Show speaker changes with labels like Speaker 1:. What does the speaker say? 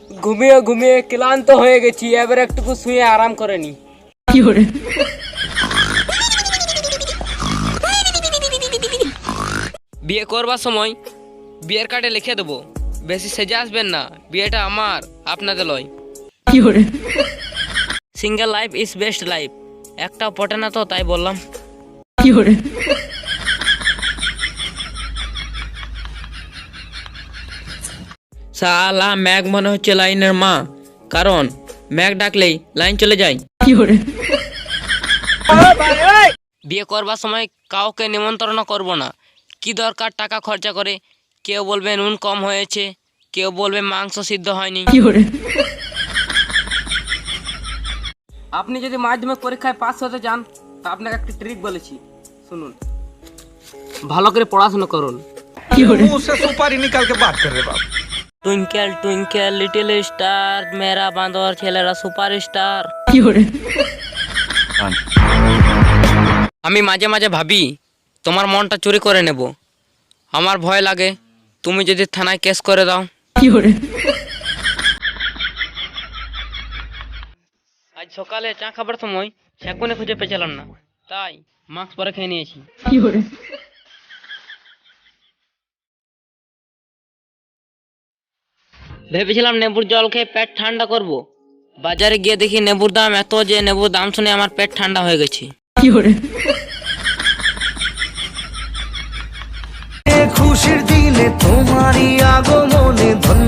Speaker 1: ঘুমিয়ে ঘুমিয়ে ক্লান্ত হয়ে গেছি, এবার একটু শুয়ে আরাম করে নি। বিয়ে করবার সময় বিয়ের কার্ডে লিখে দেবো, বেশি সেজে আসবেন না, বিয়েটা আমার আপনাদের লয়। Single life is best life, একটাও পটে না তো তাই বললাম। শালা ম্যাগ মনে হচ্ছে লাইনের মা, কারণ ম্যাগ ডাকলেই লাইন চলে যায়। বিয়ে করবার সময় কাউকে নিমন্ত্রণ করব না, কি দরকার টাকা খরচা করে। কেউ বলবে নুন কম হয়েছে, কেউ বলবে মাংস সিদ্ধ হয়নি। আপনি যদি মাধ্যমিক পরীক্ষায় পাস হতে চান তা আপনাকে একটা ট্রিক বলেছি, শুনুন। ভালো করে পড়াশোনা করুন।
Speaker 2: मुंह से सुपारी निकाल के बात कर रहे बाप।
Speaker 1: টুইঙ্কেল টুইঙ্কেল লিটল স্টার, মেরা বাঁদর ছেলেরা সুপার স্টার। আমি মাঝে মাঝে ভাবি তোমার মনটা চুরি করে নেব, আমার ভয় লাগে তুমি যদি থানায় কেস করে দাও। আজ সকালে চা খাবার সময় সেকুনে খুঁজে পেয়েছিলাম না, তাই মাস্ক পরে খেয়ে নিয়েছি। ভেবেছিলাম নেবুর জল খেয়ে পেট ঠান্ডা করব, বাজারে গিয়ে দেখি নেবুর দাম এত যে নেবুর দাম শুনে আমার পেট ঠান্ডা হয়ে গেছে।
Speaker 3: খুশির দিনে তোমারই আগমনে ধন্য